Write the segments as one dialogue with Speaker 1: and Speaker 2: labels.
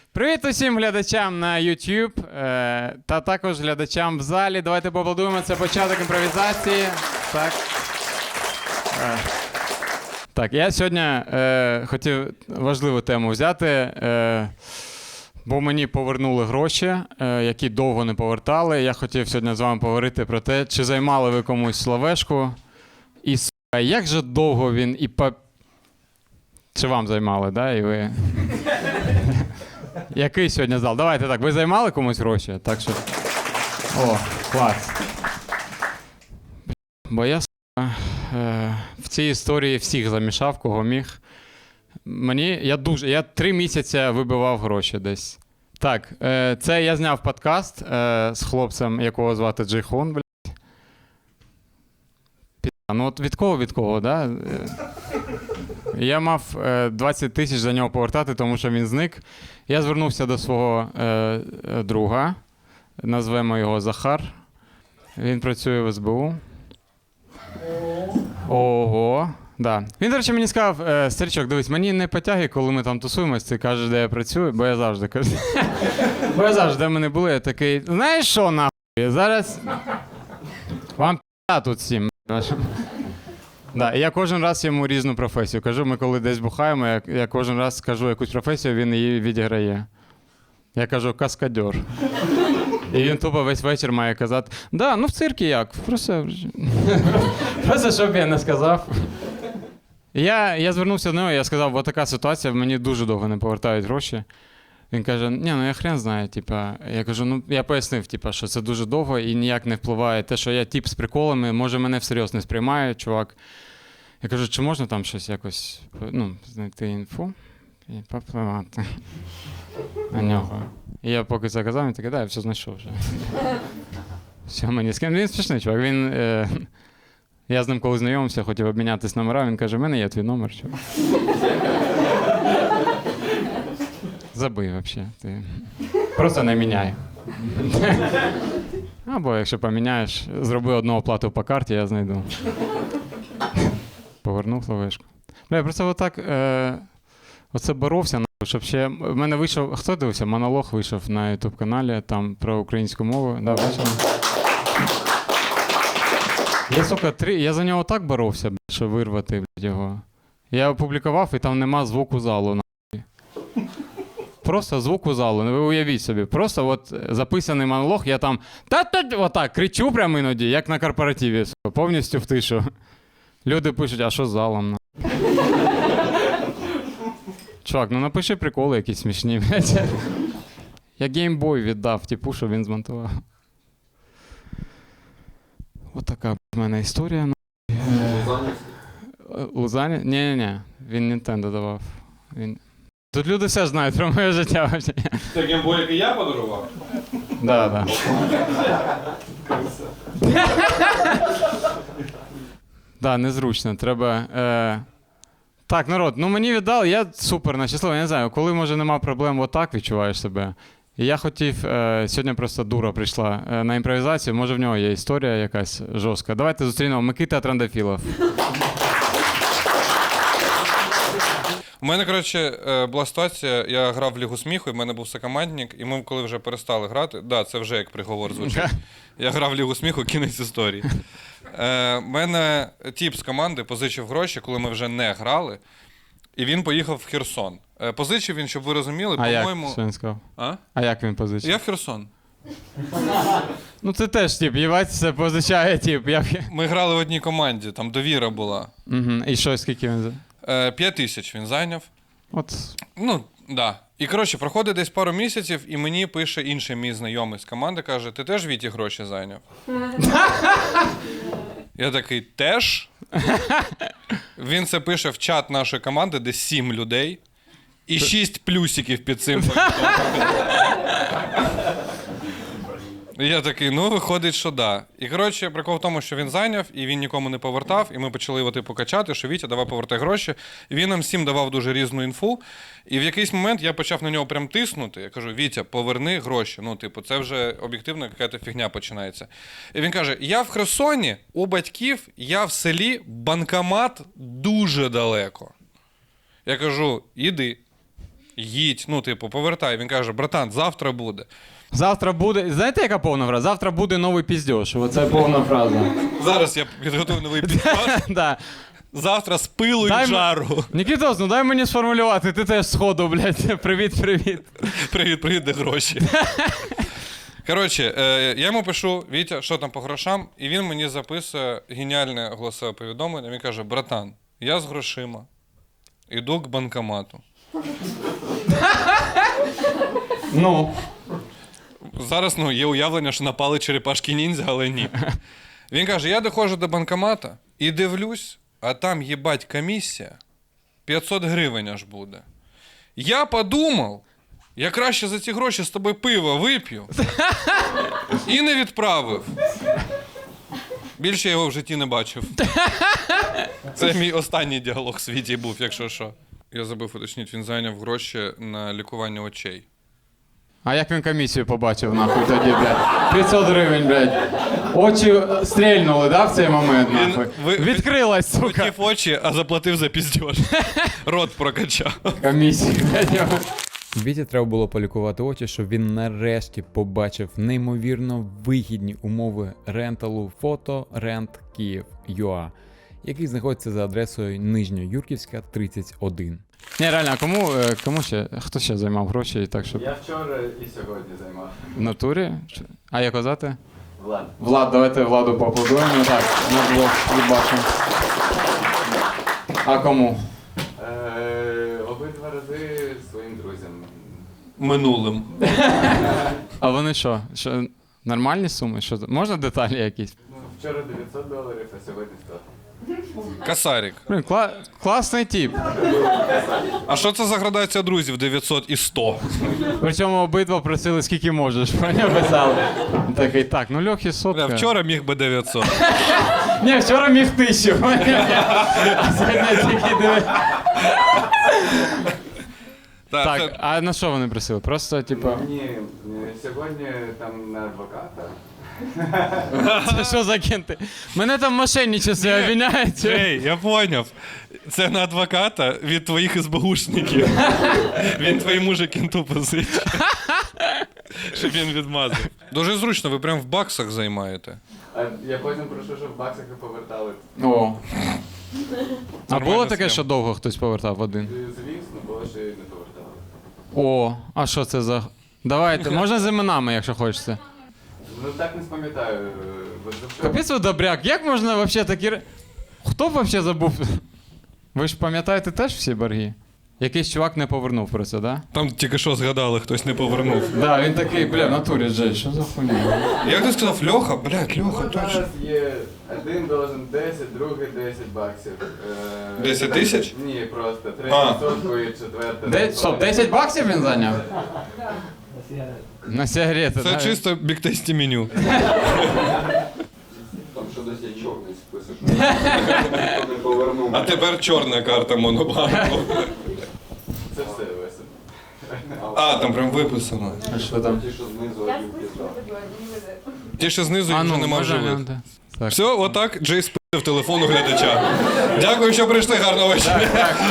Speaker 1: Привіт усім глядачам на YouTube та також глядачам в залі. Давайте поаплодуємо, це початок імпровізації. Так. Так, я сьогодні хотів важливу тему взяти, бо мені повернули гроші, які довго не повертали. Я хотів сьогодні з вами поговорити про те, чи займали ви комусь словешку. І, як же довго він і Чи вам займали, да? І ви... Який сьогодні зал? Давайте так, ви займали комусь гроші? Так що... О, клас. Бо я в цій історії всіх замішав, кого міг. Я 3 місяці вибивав гроші десь. Так, це я зняв подкаст з хлопцем, якого звати Джейхон, блядь. Ну от від кого, да? Я мав 20 тисяч за нього повертати, тому що він зник. Я звернувся до свого друга, назвемо його Захар. Він працює в СБУ. Ого, да. Він, до речі, мені сказав: старичок, дивись, мені не потягай, коли ми там тусуємось, ти кажеш, де я працюю, бо я завжди кажу. Бо я завжди, де ми не були, я такий, знаєш що, нахуй, зараз вам п***а тут всім. Да, і я кожен раз йому різну професію кажу. Ми коли десь бухаємо, я кожен раз кажу якусь професію, він її відіграє. Я кажу каскадьор. І він тупо весь вечір має казати: да, ну в циркі як? Просто щоб я не сказав. Я звернувся до нього, я сказав: ось така ситуація, мені дуже довго не повертають гроші. Він каже: ні, ну я хрен знаю, типа. Я кажу, ну я пояснив, типа, що це дуже довго і ніяк не впливає те, що я тип з приколами, може мене всерйоз не сприймає, чувак. Я кажу, чи можна там щось якось, ну, знайти інфу і попливати на нього. І я поки це казав, він такий, да, я все знайшов вже. Все, мені скинув. Він смішний, чувак. Я з ним коли знайомився, хотів обмінятися номерами, він каже, в мене є твій номер, чувак. Забий взагалі. Ти просто не міняй. Або якщо поміняєш, зроби одну оплату по карті, я знайду. Повернув словешку. Я просто отак оце боровся, щоб ще... В мене вийшов... Хто дивився? Монолог вийшов на YouTube-каналі, там про українську мову. Да, бачили? Я за нього так боровся, щоб вирвати його. Я опублікував, і там нема звуку залу. Просто звуку залу, ви уявіть собі. Просто от записаний монолог, я там отак кричу прямо іноді, як на корпоративі, повністю в тишу. Люди пишуть, а що з залом? Чувак, ну напиши приколи якісь смішні. Я геймбой віддав типу, що він змонтував. Ось така в мене історія. Лузані? Ні, він Nintendo давав. Тут люди все знають про моє життя.
Speaker 2: Це геймбой, який я подарував?
Speaker 1: Да. Да, незручно, треба... Так, народ, ну мені віддали, я супер нещасливий, я не знаю, коли, може, нема проблем, отак відчуваєш себе. І я хотів, сьогодні просто дура прийшла на імпровізацію, може в нього є історія якась жорстка. Давайте зустрінемо Микита Трандафілов.
Speaker 2: У мене, коротше, була ситуація, я грав в Лігу сміху, і в мене був сокомандник, і ми коли вже перестали грати, да, це вже як приговор звучить. Я грав в Лігу сміху, кінець історії. Мене тіп з команди позичив гроші, коли ми вже не грали, і він поїхав в Херсон. Позичив він, щоб ви розуміли, по-моєму...
Speaker 1: А як, що він сказав?
Speaker 2: А?
Speaker 1: А як він позичив?
Speaker 2: Я в Херсон.
Speaker 1: Ну це теж тип, їбать, позичає тип.
Speaker 2: Ми грали в одній команді, там довіра була.
Speaker 1: Угу. І що, скільки він?
Speaker 2: 5 тисяч він зайняв.
Speaker 1: От.
Speaker 2: Ну, да. І, коротше, проходить десь пару місяців, і мені пише інший мій знайомий з команди, каже, ти теж Віті гроші зайняв? Я такий, теж? Він це пише в чат нашої команди, де 7 людей, і 6 плюсиків під цим. Я такий, ну, виходить, що да. І, коротше, прикол в тому, що він зайняв, і він нікому не повертав, і ми почали його, типу, качати, що Вітя, давай повертай гроші. І він нам всім давав дуже різну інфу. І в якийсь момент я почав на нього прям тиснути. Я кажу, Вітя, поверни гроші. Ну, типу, це вже об'єктивно якась фігня починається. І він каже, я в Херсоні, у батьків, я в селі, банкомат дуже далеко. Я кажу, іди. їдь, ну, типу, повертай. Він каже, братан, завтра буде.
Speaker 1: Завтра буде. Знаєте, яка повна фраза? Завтра буде новий піздьош. Оце повна фраза.
Speaker 2: Зараз я підготую новий підпис.
Speaker 1: Да.
Speaker 2: Завтра з пилу
Speaker 1: Дай
Speaker 2: і жару.
Speaker 1: Нікітос, ну дай мені сформулювати, ти теж сходу, блядь. Привіт.
Speaker 2: Привіт, де гроші. Коротше, я йому пишу, Вітя, що там по грошам, і він мені записує геніальне голосове повідомлення. Він каже, братан, я з грошима, іду к банкомату.
Speaker 1: Ну.
Speaker 2: Зараз, ну, є уявлення, що напали черепашки ніндзя, але ні. Він каже, я доходжу до банкомата і дивлюсь, а там, їбать, комісія 500 гривень аж буде. Я подумав, я краще за ці гроші з тобою пиво вип'ю і не відправив. Більше я його в житті не бачив. Це мій останній діалог в світі був, якщо що. Я забув уточнити, він зайняв гроші на лікування очей.
Speaker 1: А як він комісію побачив, нахуй, тоді, блядь? 500 гривень, блядь. Очі стрельнули, да, в цей момент, нахуй? Відкрилась, сука.
Speaker 2: Хотів очі, а заплатив за піздьош. Рот прокачав.
Speaker 1: Комісію, блядь. Віті треба було полікувати очі, щоб він нарешті побачив неймовірно вигідні умови ренталу фото Rent Kyiv.ua, який знаходиться за адресою Нижньоюрківська, 31. Ні, реально, а кому ще? Хто ще займав гроші і так, щоб...
Speaker 3: Я вчора і сьогодні займав.
Speaker 1: В натурі? А як казати?
Speaker 3: Влад.
Speaker 1: Влад, давайте Владу поаплодуємо. Так, на блок бачимо. А кому?
Speaker 3: Обидва рази своїм друзям.
Speaker 2: Минулим.
Speaker 1: А вони що? Нормальні суми? Що? Можна деталі якісь?
Speaker 3: Ну, вчора $900, а сьогодні 100.
Speaker 2: Касарік.
Speaker 1: Блін, класний тип.
Speaker 2: А що це за градація друзів 900 і 100?
Speaker 1: Причому обидва просили скільки можеш, поняв, писали. Такий, так, ну Льохи сотка.
Speaker 2: Бля, вчора міг би 900.
Speaker 1: Ні, вчора міг 1000, поняв? А сьогодні тільки диви. Так, а на що вони просили? Просто, типа...
Speaker 3: Ні, сьогодні там на адвоката.
Speaker 1: Це що за кенти? Мене там мошенничество обвиняють.
Speaker 2: Ей, я поняв. Це на адвоката від твоїх СБУшників. Він твоєму же кенту позичить. Щоб він відмазав. Дуже зручно, ви прям в баксах займаєте.
Speaker 3: А я потім прошу, щоб в баксах і повертали.
Speaker 1: О. А
Speaker 2: Нормальна
Speaker 1: було таке,
Speaker 2: схема.
Speaker 1: що довго хтось повертав один?
Speaker 3: Звісно, було, що і не повертали.
Speaker 1: О, а що це за... Давайте, можна з іменами, якщо хочеться.
Speaker 3: Ну так не пам'ятаю.
Speaker 1: Капець ви добряк, як можна вообще такі... Хто б вообще забув? Ви ж пам'ятаєте теж всі борги? Якийсь чувак не повернув про це, да?
Speaker 2: Там тільки що згадали, хтось не повернув.
Speaker 1: Да, він такий, бля, в натурі Джей, що за хуйня?
Speaker 2: Як ти сказав, Льоха? Блядь, Льоха, точно.
Speaker 3: Зараз є один должен 10, другий 10 баксів.
Speaker 2: 10 тисяч?
Speaker 3: Ні, просто
Speaker 2: А.
Speaker 3: 3 сотку і четверте.
Speaker 1: Стоп, 10 баксів він зайняв? На сигарети,
Speaker 2: Це
Speaker 1: да?
Speaker 2: чисто біктесті меню.
Speaker 4: Там що десь є чорний список. Ніхто не повернув.
Speaker 2: А тепер чорна карта Монобанку.
Speaker 3: Це все весело.
Speaker 2: А, там прям виписано.
Speaker 1: А що там?
Speaker 4: Ті, що знизу
Speaker 5: Я
Speaker 4: один пізда.
Speaker 5: списку
Speaker 2: Ті, що знизу, їх вже нема
Speaker 1: може,
Speaker 2: живих.
Speaker 1: да. Так.
Speaker 2: Все, отак Джей спив телефон у глядача. Дякую, що прийшли, гарного вечора.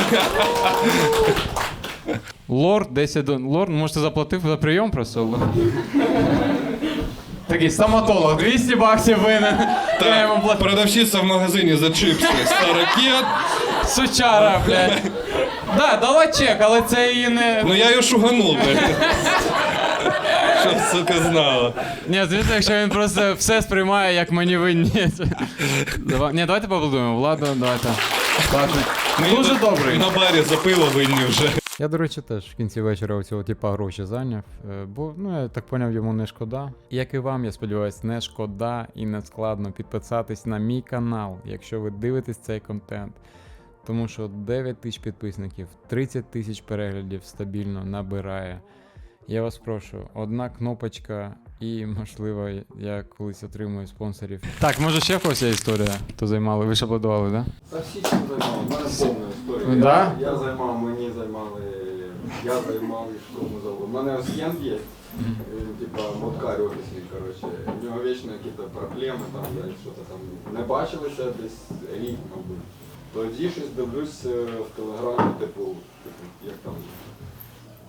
Speaker 1: Лорд 10 Лорд, може ти заплатив за прийом просто? Такий стоматолог, 200 баксів винен. Я йому
Speaker 2: Так,
Speaker 1: платив.
Speaker 2: продавщиця в магазині за чипси. Старокет.
Speaker 1: Сучара, блядь. Да, дала чек, але це її не...
Speaker 2: Ну я її шуганув, блядь. Щоб, сука, знала.
Speaker 1: Ні, звісно, якщо він просто все сприймає, як мені винні. Ні, давайте поаплодуємо. Владу, давайте. Дуже добрий.
Speaker 2: На барі за пиво винні вже.
Speaker 1: Я, до речі, теж в кінці вечора у цього типа гроші зайняв, бо, ну, я так поняв, йому не шкода. Як і вам, я сподіваюся, не шкода і не складно підписатись на мій канал, якщо ви дивитесь цей контент. Тому що 9 тисяч підписників, 30 тисяч переглядів стабільно набирає. Я вас прошу, одна кнопочка і, можливо, я колись отримую спонсорів. Так, може ще в когось є історія, хто займали? Ви ж аплодували, так?
Speaker 4: Та всі чим займали, у мене повна історія.
Speaker 1: Да?
Speaker 4: Я займав, мені займали, я займав і кому зову. У мене ось Єн є, він типа моткар офісний, коротше. У нього вічно якісь проблеми, там, блядь, що-то там не бачилися десь рік, мабуть. Тоді щось дивлюсь в телеграмі, типу, як там,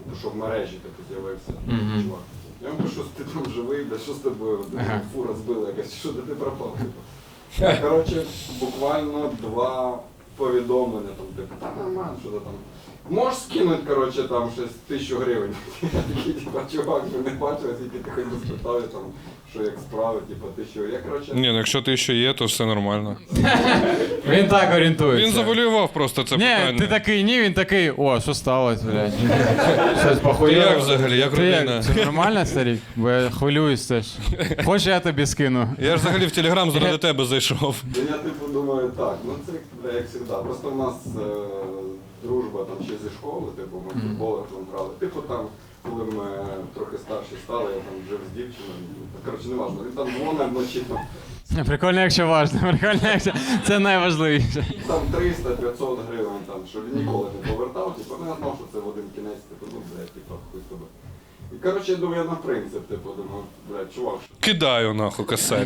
Speaker 4: типу, що в мережі типу, з'явився
Speaker 1: Мгм.
Speaker 4: чувак. Я йому кажу, що ти там живий, бля, що з тобою?
Speaker 1: Ага.
Speaker 4: Фура збила якась, що ти пропав? Типу. Коротше, буквально 2 повідомлення, там, типу, та нормально, що ти там. Можеш скинути, коротше, там щось 1000 гривень. Я такий, типу, чувак, ми не бачили, скільки ти хоч не спитав, там, що як справи, типу, 1000 гривень. Я, коротше,
Speaker 2: Ні, ну якщо ти ще є, то все нормально.
Speaker 1: Він так орієнтується.
Speaker 2: Він завалював просто це
Speaker 1: Ні,
Speaker 2: питання.
Speaker 1: ти такий ні, він такий, о, що сталося, блядь? Щось
Speaker 2: Ти
Speaker 1: похуяло.
Speaker 2: як взагалі, як
Speaker 1: Ти
Speaker 2: родина?
Speaker 1: як? Це нормально, старик? Бо я хвилююсь теж. Хочеш, я тобі скину?
Speaker 2: Я ж взагалі в Телеграм заради тебе зайшов.
Speaker 4: я типу думаю, так, ну це бля, як завжди. Просто в нас дружба там ще зі школи, типу, ми в футбол там грали. Типу там, коли ми трохи старші стали, я там жив з дівчиною. Коротше, не важливо, він там дзвонив вночі,
Speaker 1: Прикольно, якщо важно. Прикольно, якщо це найважливіше.
Speaker 4: там 300-500 гривень, там, що він ніколи не повертав, типу, ну я знав, що це в один кінець, типу, ну, блядь, типу, хуй з тобою. І, коротше, я думаю, я на принцип, типу, думаю, блядь, чувак, що
Speaker 2: Кидаю нахуй косарь.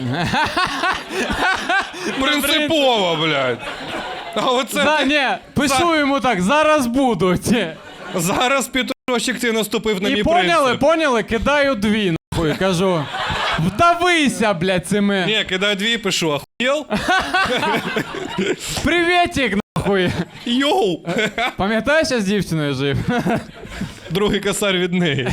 Speaker 2: Принципово, блядь. А оце
Speaker 1: Ні, пишу йому так, зараз будуть.
Speaker 2: зараз Петрощик ти наступив на
Speaker 1: І
Speaker 2: мій
Speaker 1: поняли,
Speaker 2: принцип.
Speaker 1: кидаю 2, нахуй, кажу. Вдавися, блядь, цими.
Speaker 2: Ні, кидаю 2 і пишу, ахуєл?
Speaker 1: Приветик, нахуй.
Speaker 2: Йоу!
Speaker 1: Пам'ятаєш, я з дівчиною жив?
Speaker 2: Другий косарь від неї.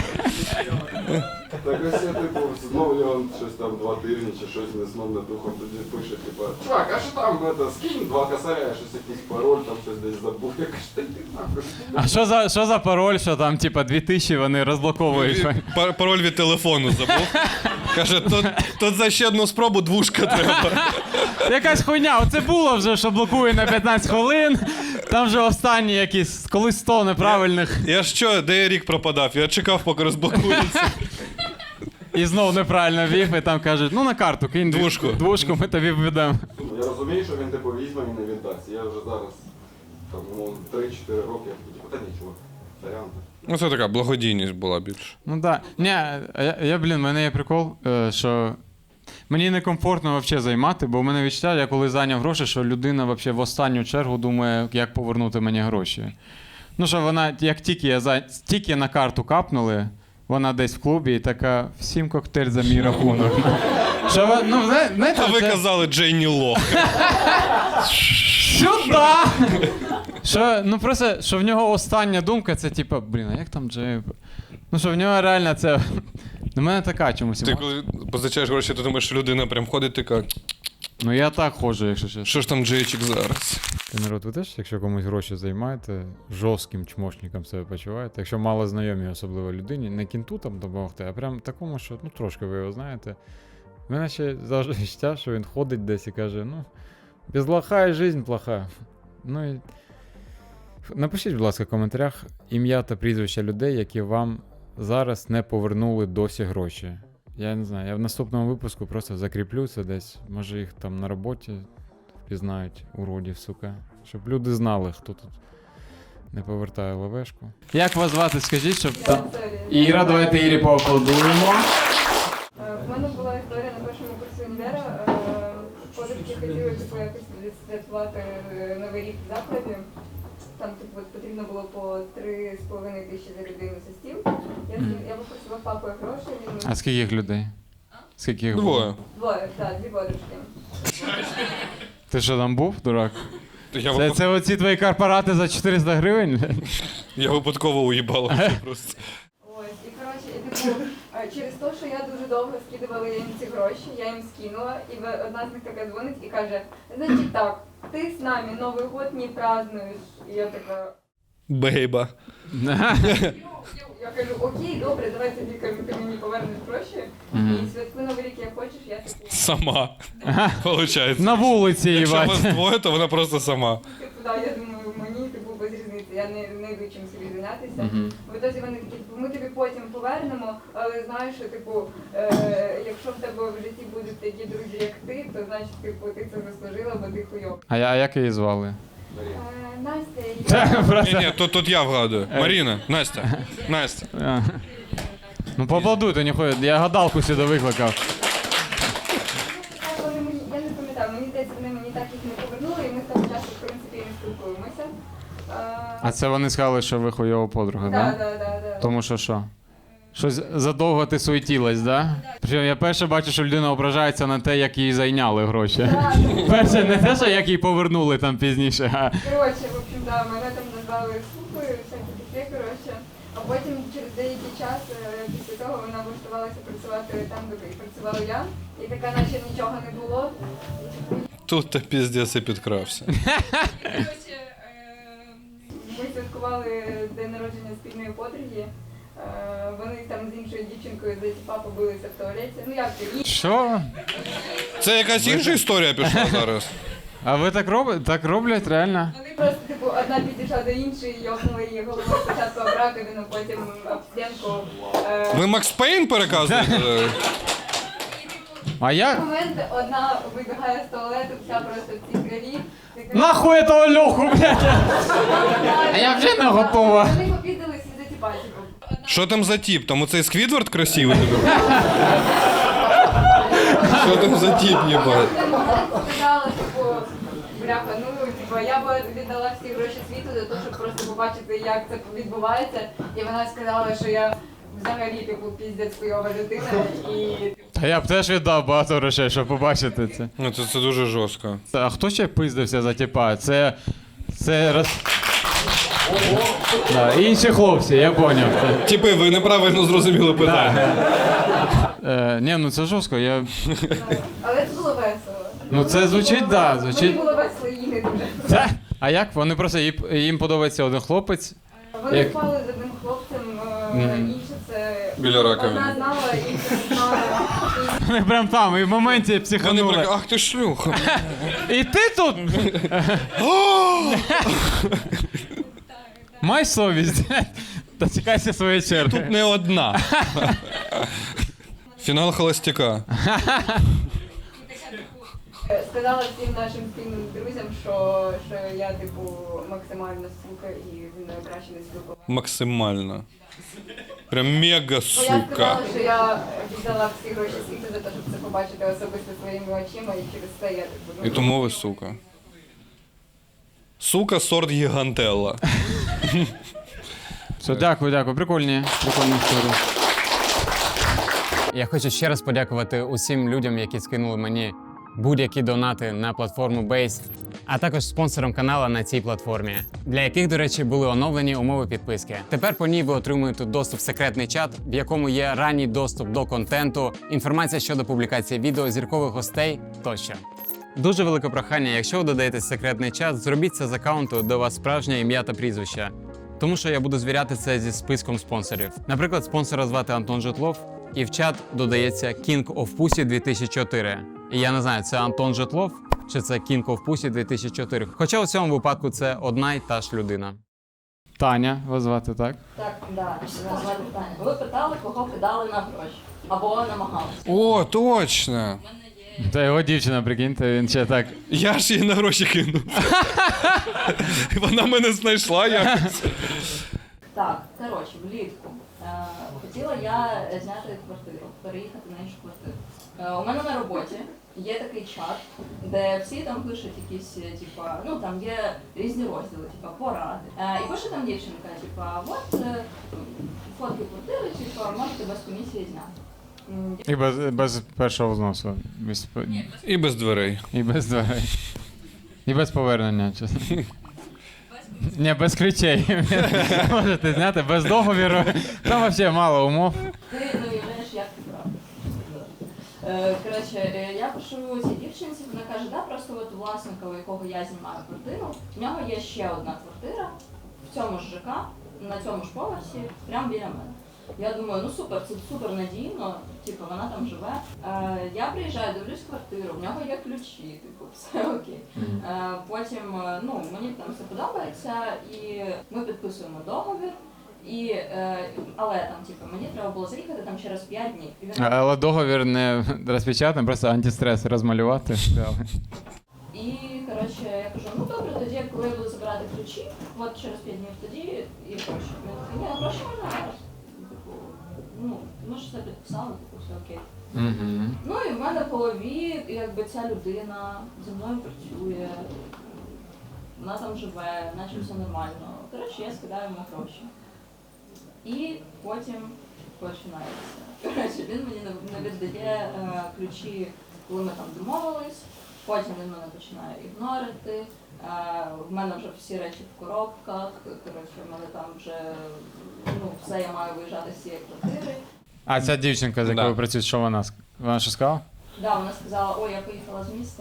Speaker 4: Так ось я, типу, знову його щось там 2 тижні чи щось не сном не духом, тоді пише, типу, чувак, а що там, скинь 2 косаря, щось якийсь пароль, там щось десь забув. Я кажу, та йди нахуй.
Speaker 1: А що за пароль, що там, типа, 2000 вони розблоковують?
Speaker 2: Пароль від телефону забув. Каже, тут за ще одну спробу 2 треба.
Speaker 1: Якась хуйня, оце було вже, що блокує на 15 хвилин. Там вже останні якісь, колись 100 неправильних.
Speaker 2: Я ж що, де я рік пропадав? Я чекав, поки розблокується.
Speaker 1: І знов неправильно ввів, і там кажуть, ну на карту кинь двушку, ми тобі введемо.
Speaker 4: Я розумію, що він, типу, візьме і не віддасть. Я вже зараз, там, ну, 3-4 роки, типу, та нічого, сорян.
Speaker 2: Ну це така благодійність була більше.
Speaker 1: Ну так. Ні, в мене є прикол, що мені некомфортно взагалі займати, бо в мене відчуття, я коли зайняв гроші, що людина взагалі в останню чергу думає, як повернути мені гроші. Ну що вона, як тільки на карту капнули, вона десь в клубі і така, всім коктейль за мій рахунок. Що, ну, знаєте,
Speaker 2: А ви
Speaker 1: це...
Speaker 2: казали Джейні Лох.
Speaker 1: Сюда! Що, ну просто, що в нього остання думка, це типа, блін, а як там Джей? Ну що в нього реально це... На мене така чомусь.
Speaker 2: Ти коли позичаєш гроші, ти думаєш, що людина прям ходить така,
Speaker 1: Ну я так ходжу, якщо чесно.
Speaker 2: що ж там Джейчик зараз?
Speaker 1: Ти, народ, ви теж, якщо комусь гроші займаєте, жорстким чмошником себе почуваєте, якщо мало знайомі, особливо людині, не кінту там допомогти, а прям такому, що, ну трошки ви його знаєте. В мене ще завжди відчуття, що він ходить десь і каже, ну, без лоха і жизнь плоха. Ну і... Напишіть, будь ласка, в коментарях ім'я та прізвища людей, які вам зараз не повернули досі гроші. Я не знаю, я в наступному випуску просто закріплю це десь. Може їх там на роботі впізнають, уродів, сука. Щоб люди знали, хто тут не повертає лавешку. Як вас звати, скажіть, щоб там... Іра, давайте Ірі поаплодуємо.
Speaker 5: У мене була історія на першому курсі універа. Подружки хотіли типу, якось відсвяткувати Новий рік в закладі. Там типу, потрібно було по 3,5 тисячі за людину за стіл. Я попросила папу гроші.
Speaker 1: А скільки їх людей? Скільки їх було?
Speaker 2: Двоє.
Speaker 5: Так, 2 подружки.
Speaker 1: Ти що там був, дурак?
Speaker 2: Я,
Speaker 1: Це оці твої корпорати за 400 гривень?
Speaker 2: я випадково уїбала просто.
Speaker 5: Ось, і коротше, типу, через те, що я дуже довго скидувала їм ці гроші, я їм скинула, і одна з них така дзвонить і каже, значить так, ти з нами Новий год не празднуєш. І я така,
Speaker 2: Бейба.
Speaker 5: я кажу, окей, добре, давай тоді, кажу, ти мені повернеш гроші, і святкуй Новий рік як хочеш, я таку.
Speaker 2: Сама. Получається.
Speaker 1: На вулиці,
Speaker 2: Якщо
Speaker 1: їбать.
Speaker 2: вас двоє, то вона просто сама.
Speaker 5: Типу, да, я думаю, мені типу без різниці, я не йду чим собі зайнятися. В ітозі вони такі, типу, ми тобі потім повернемо, але знаєш, що, типу, якщо в тебе в житті будуть такі друзі, як ти, то значить, типу, ти це заслужила, бо ти хуйов.
Speaker 1: А як її звали?
Speaker 5: Настя,
Speaker 2: Ні, тут я вгадую. Маріна, Настя. Настя.
Speaker 1: А. Ну поаплодуйте, ніхуя, я гадалку сюди викликав.
Speaker 5: я не пам'ятаю, мені здається, вони мені так їх не повернули, і ми з того часу, в принципі, не спілкуємося.
Speaker 1: А це вони сказали, що ви хуйова подруга,
Speaker 5: Так,
Speaker 1: да?
Speaker 5: так, так.
Speaker 1: Тому що що? Щось задовго ти суетілась, да? Причому я перше бачу, що людина ображається на те, як їй зайняли гроші. Перше, не те, що як їй повернули там пізніше, а
Speaker 5: Коротше, в общем, да, мене там назвали сукою, всякі таке, коротше. А потім через деякий час, після того, вона влаштувалася працювати там, де працювала я. І така, наче нічого не було.
Speaker 2: Тут та піздець і підкрався.
Speaker 5: Коротше, ми святкували день народження спільної подруги. Вони там з іншою дівчинкою за тіпа побилися в туалеті. Ну як це?
Speaker 1: що?
Speaker 2: Це якась інша історія пішла зараз.
Speaker 1: А ви так робите? Так роблять реально?
Speaker 5: Вони просто, типу, одна підійшла до іншої, йохнули її головою спочатку об раковину, потім об стінку.
Speaker 2: Ви Макс Пейн переказуєте?
Speaker 1: А
Speaker 5: В
Speaker 1: як?
Speaker 5: момент одна вибігає з туалету, вся просто в цій крові. Така,
Speaker 1: Нахуй этого Льоху, блядь! А я вже не готова.
Speaker 5: Вони попіздились і за тіпа, типу.
Speaker 2: Що там за тіп? Там оцей Сквідвард красивий? Що там за тіп, їбать?
Speaker 5: Сказала, типу, бляха, ну, типу, я б віддала всі гроші світу за те, щоб просто побачити, як це відбувається. І вона сказала, що я взагалі, типу, піздець хуйова людина і...
Speaker 1: Та я б теж віддав багато грошей, щоб побачити це.
Speaker 2: Ну це дуже жорстко.
Speaker 1: А хто ще пиздився за тіпа? Це роз... Да, інші хлопці, я поняв.
Speaker 2: Типи, ви неправильно зрозуміли питання.
Speaker 1: Ні, ну це жорстко, я...
Speaker 5: Але це було весело.
Speaker 1: Ну це звучить, да,
Speaker 5: Мені
Speaker 1: звучить.
Speaker 5: було весело і не дуже.
Speaker 1: Це? А як? Вони просто, їм подобається один хлопець.
Speaker 5: Вони
Speaker 1: Як?
Speaker 5: впали з одним хлопцем, інше це...
Speaker 2: Біля раковини.
Speaker 5: Одна знала, інша не знала.
Speaker 1: Вони прям там, і в моменті
Speaker 2: Вони
Speaker 1: психанули.
Speaker 2: так, ах ти шлюха.
Speaker 1: І ти тут? Май совість. Дочекайся своєї черги.
Speaker 2: Тут не одна. Фінал холостяка.
Speaker 5: Сказала всім нашим спільним друзям, що я, типу, максимально сука і зі мною краще не спілкувалася.
Speaker 2: Максимально. Прям мега
Speaker 5: Бо я
Speaker 2: сука.
Speaker 5: сказала, що я віддала всі гроші світу за те, щоб це побачити особисто своїми очима, і через це я, типу,
Speaker 2: І тому ви сука. Сука сорт гігантелла.
Speaker 1: Все, дякую. Прикольні історії. Я хочу ще раз подякувати усім людям, які скинули мені будь-які донати на платформу Base, а також спонсорам каналу на цій платформі, для яких, до речі, були оновлені умови підписки. Тепер по ній ви отримуєте доступ в секретний чат, в якому є ранній доступ до контенту, інформація щодо публікації відео, зіркових гостей тощо. Дуже велике прохання, якщо ви додаєте секретний чат, зробіть це з аккаунту, де у вас справжнє ім'я та прізвище. Тому що я буду звіряти це зі списком спонсорів. Наприклад, спонсора звати Антон Житлов, і в чат додається King of Pussy 2004. І я не знаю, це Антон Житлов чи це King of Pussy 2004. Хоча у цьому випадку це одна й та ж людина. Таня вас звати, так?
Speaker 6: Так, да, звати Таня. Ви питали, кого кидали на гроші. Або намагалися.
Speaker 2: О, точно.
Speaker 1: Та його дівчина, прикиньте, він ще так.
Speaker 2: Я ж її на гроші кинув. Вона мене знайшла якось.
Speaker 6: Так, коротше, влітку. Хотіла я зняти квартиру, переїхати на іншу квартиру. У мене на роботі є такий чат, де всі там пишуть якісь, типа, ну там є різні розділи, типа поради. І пише там дівчинка, типа, от фотки квартири, типа, можете без комісії зняти.
Speaker 1: І без першого взносу.
Speaker 2: І без дверей.
Speaker 1: І без дверей. І без повернення, чесно. Ні, без ключей. Можете зняти, без договіру. Там взагалі мало умов.
Speaker 6: Ти не уявляєш, як ти правда. Коротше, я пишу цій дівчинці, вона каже, да, просто от у власника, у якого я знімаю квартиру, в нього є ще одна квартира в цьому ж ЖК, на цьому ж поверсі, прямо біля мене. Я думаю, ну супер, це супер надійно, типу, вона там живе. Я приїжджаю, дивлюсь квартиру, в нього є ключі, типу, все окей. Потім, ну, мені там все подобається, і ми підписуємо договір. Але там, типу, мені треба було заїхати там через 5 днів. І він...
Speaker 1: Але договір не розпечатаний, просто антистрес розмалювати.
Speaker 6: І, коротше, я кажу, ну добре, тоді, коли я буду забирати ключі, от через 5 днів тоді і гроші. Він такий, ні, гроші можна зараз. Типу, ну, ми ж все підписали, типу, все окей. Ну і в мене в голові, якби ця людина зі мною працює, вона там живе, наче все нормально. Коротше, я скидаю йому гроші. І потім починається. Коротше, він мені не віддає ключі, коли ми там домовились, потім він мене починає ігнорити. В мене вже всі речі в коробках, коротше, в мене там вже все, я маю виїжджати з цієї квартири.
Speaker 1: А ця дівчинка, з якою
Speaker 2: Да.
Speaker 1: працює, що вона? Вона що сказала?
Speaker 6: Да, вона сказала, ой, я поїхала з міста,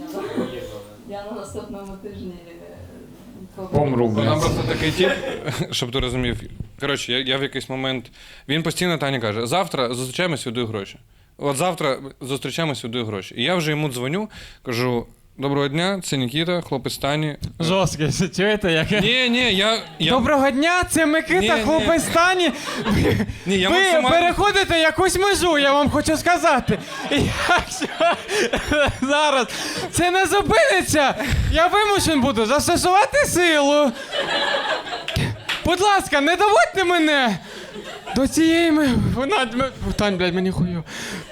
Speaker 6: я на наступному тижні
Speaker 1: Помру, блядь.
Speaker 2: Вона просто такий тип, щоб ти розумів. Коротше, я в якийсь момент. Він постійно Тані каже: завтра зустрічаємось, віддаю гроші. От завтра зустрічаємось, віддаю гроші. І я вже йому дзвоню, кажу: доброго дня, це Нікіта, хлопець Тані.
Speaker 1: Жорстке, чуєте, яке?
Speaker 2: Ні, я...
Speaker 1: Доброго дня, це Микита,
Speaker 2: Ні,
Speaker 1: хлопець Тані.
Speaker 2: Ні, я
Speaker 1: Ви
Speaker 2: максимально...
Speaker 1: переходите якусь межу, я вам хочу сказати. І якщо зараз це не зупиниться, я вимушен буду застосувати силу. Будь ласка, не доводьте мене до цієї... Тань, блядь, мені хую.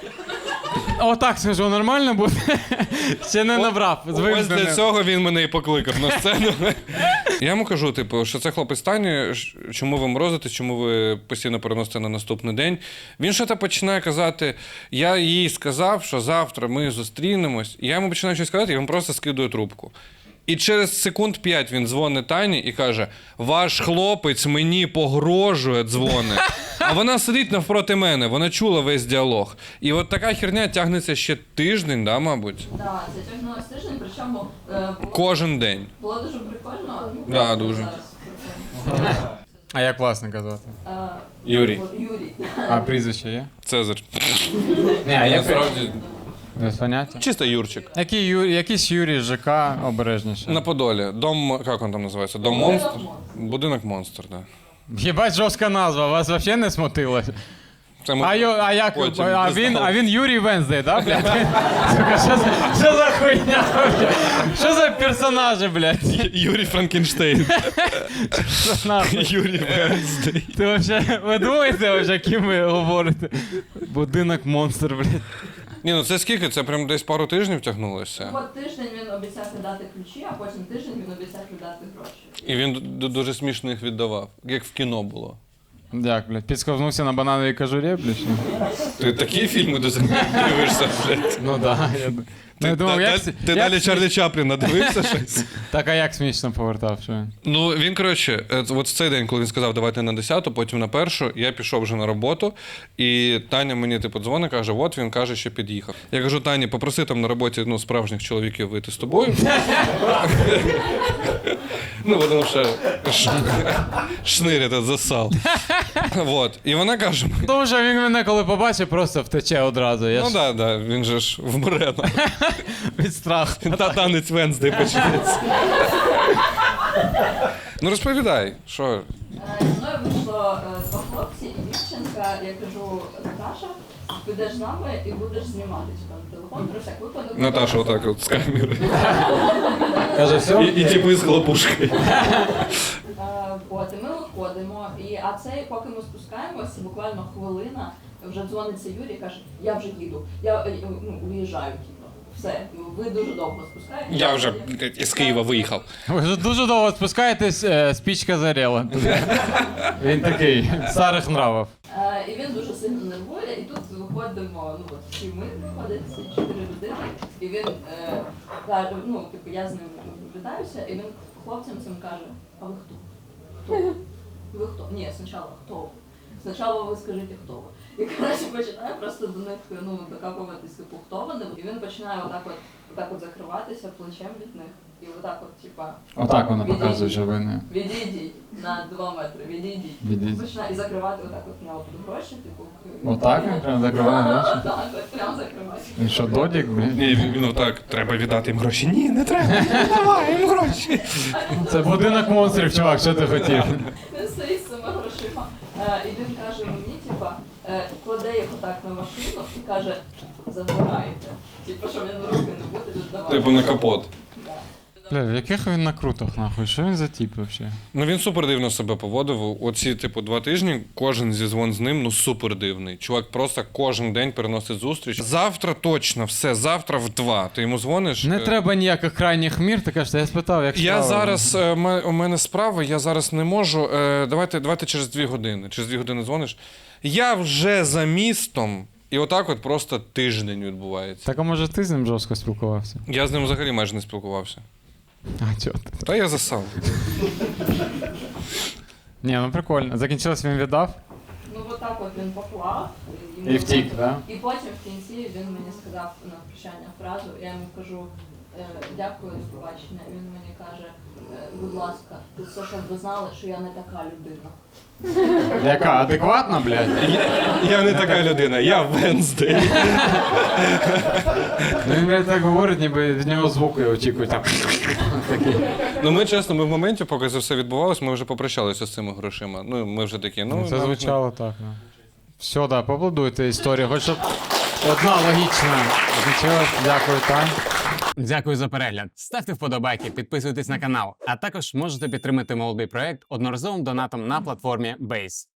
Speaker 1: Отак скажу, нормально буде? Ще не набрав.
Speaker 2: Ось для цього він мене і покликав на сцену. Я йому кажу, типу, що це хлопець Тані, чому ви морозитесь, чому ви постійно переносите на наступний день. Він щось починає казати, я їй сказав, що завтра ми зустрінемось. І я йому починаю щось казати, і він просто скидує трубку. І через секунд 5 він дзвонить Тані і каже: ваш хлопець мені погрожує, дзвонить. А вона сидить навпроти мене, вона чула весь діалог. І от така херня тягнеться ще тиждень, да, мабуть?
Speaker 6: Так, це тягнулося тиждень, причому
Speaker 2: Кожен день.
Speaker 6: було дуже прикольно.
Speaker 2: Да, дуже.
Speaker 6: Зараз прикольно.
Speaker 1: А як власника звати?
Speaker 2: Юрій.
Speaker 6: Юрій.
Speaker 1: А прізвище є?
Speaker 2: Цезар.
Speaker 1: Ні, а
Speaker 2: Насправді,
Speaker 1: без поняття.
Speaker 2: чисто Юрчик.
Speaker 1: Якийсь Юрій ЖК обережніше.
Speaker 2: На Подолі. Дом, як він там називається? Дом монстр? Будинок монстр, так. Да.
Speaker 1: Єбать, жорстка назва, вас взагалі не смутило?
Speaker 2: Це ми
Speaker 1: А як?
Speaker 2: потім
Speaker 1: А
Speaker 2: дізналися.
Speaker 1: він Юрій Венздей, так, блядь? Сука, що за хуйня? Що за персонажі, блядь?
Speaker 2: Юрій Франкенштейн.
Speaker 1: Нахуй.
Speaker 2: Юрій Венздей.
Speaker 1: Ти вообще, ви думаєте, вообще, ким ви говорите? Будинок монстр, блядь.
Speaker 2: Ні, ну це скільки? Це прям десь пару тижнів тягнулося.
Speaker 6: От тиждень він обіцяв віддати ключі, а потім тиждень він обіцяв віддати гроші.
Speaker 2: І він дуже смішно їх віддавав, як в кіно було.
Speaker 1: Як, блядь, підсковзнувся на банановій кожурі, блядь?
Speaker 2: Ти такі фільми дивишся, блядь?
Speaker 1: Ну да. Я думав, як...
Speaker 2: Ти далі Чарлі Чапліна дивився щось?
Speaker 1: Так, а як смішно повертав, що він?
Speaker 2: Ну, він, коротше, от в цей день, коли він сказав, давайте на 10-ту, потім на 1-шу, я пішов вже на роботу, і Таня мені, типу, дзвонить, каже, от він каже, що під'їхав. Я кажу, Тані, попроси там на роботі, ну, справжніх чоловіків вийти з тобою. Ну, воно ще шнир этот засал. Вот. І вона каже,
Speaker 1: Тому що він мене, коли побачить, просто втече одразу. Я
Speaker 2: ну
Speaker 1: ж
Speaker 2: да, він же ж вмре.
Speaker 1: від страху.
Speaker 2: Та танець Венздей почнеться. Ну розповідай, що?
Speaker 6: Зі мною вийшло два хлопці і дівчинка. Я кажу, Наташа, підеш з нами і будеш знімати телефон про всяк випадок.
Speaker 2: Наташа отак от з камери.
Speaker 1: Каже, все?
Speaker 2: І типи з хлопушкою.
Speaker 6: От, і ми виходимо, а цей, поки ми спускаємося, буквально хвилина, вже дзвониться Юрій і каже, я вже їду, я уїжджаю, типу. Все, ви дуже довго спускаєтесь.
Speaker 2: Я вже із Києва виїхав.
Speaker 1: Ви вже дуже довго спускаєтесь, спічка зарела. Він такий, старих нравів.
Speaker 6: І він дуже сильно нервує, і тут виходимо, ну от всі ми виходять, всі 4 людини, і він каже, ну, типу, я з ним вітаюся, і він хлопцям цим каже, а ви хто? Хто? Ви хто? Ні, спочатку хто ви? Спочатку ви скажіть, хто ви. І, коротше, починає просто до них, ну, докапуватись, типу, хто вони. І він починає отак от закриватися плечем від них. І отак от, типа...
Speaker 1: Отак вона показує, що ви не...
Speaker 6: Відійдіть на 2 метри, відійдіть.
Speaker 1: Відійдіть.
Speaker 6: Починає і закривати отак от в нього під гроші, типу...
Speaker 1: Отак він прям закриває гроші?
Speaker 6: Так, прям закривати.
Speaker 1: Він що, додік, блін?
Speaker 2: Ні, він отак, треба віддати їм гроші. Ні, не треба, не давай їм гроші.
Speaker 1: Це будинок монстрів, чувак, що ти хотів?
Speaker 6: Він стоїть з цими грошима, і він каже мені, типа, кладе їх отак на машину і каже, забирайте. Типу, щоб він руки не буде віддавати.
Speaker 2: Типу на капот.
Speaker 6: Да.
Speaker 1: Бля, в яких він накрутах, нахуй? Що він за тип взагалі?
Speaker 2: Ну він супер дивно себе поводив. Оці, типу, 2 тижні кожен зізвон з ним, ну супер дивний. Чувак просто кожен день переносить зустріч. Завтра точно, все, завтра в 2. Ти йому дзвониш.
Speaker 1: Не треба ніяких крайніх мір, ти кажеш, я спитав, як
Speaker 2: Я
Speaker 1: справи.
Speaker 2: зараз, у мене справа, я зараз не можу. Давайте через 2 години. Через 2 години дзвониш. Я вже за містом. І отак от просто тиждень відбувається.
Speaker 1: Так, а може ти з ним жорстко спілкувався?
Speaker 2: Я з ним взагалі майже не спілкувався.
Speaker 1: А, чого ти?
Speaker 2: Та я засав.
Speaker 1: Ні, ну прикольно. Закінчилось, він віддав?
Speaker 6: Ну, отак от він поклав.
Speaker 1: І втік, да?
Speaker 6: І потім в кінці він мені сказав на прощання фразу, я йому кажу, дякую за побачення. Він мені каже, будь ласка, ти все, щоб ви знали, що я не така людина.
Speaker 1: Яка адекватна, блядь?
Speaker 2: Я не така людина, я Венздей.
Speaker 1: Ну він, блядь, так говорить, ніби від нього звуки очікують. Там. Такі.
Speaker 2: Ну ми чесно, ми в моменті, поки це все відбувалось, ми вже попрощалися з цими грошима. Ну, ми вже такі, ну.
Speaker 1: Це
Speaker 2: нам-
Speaker 1: звучало так, да. Все, да, поаплодуйте історію. Хоч щоб одна логічна закінчилась. Дякую, Тань. Дякую за перегляд. Ставте вподобайки, підписуйтесь на канал, а також можете підтримати молодий проект одноразовим донатом на платформі Base.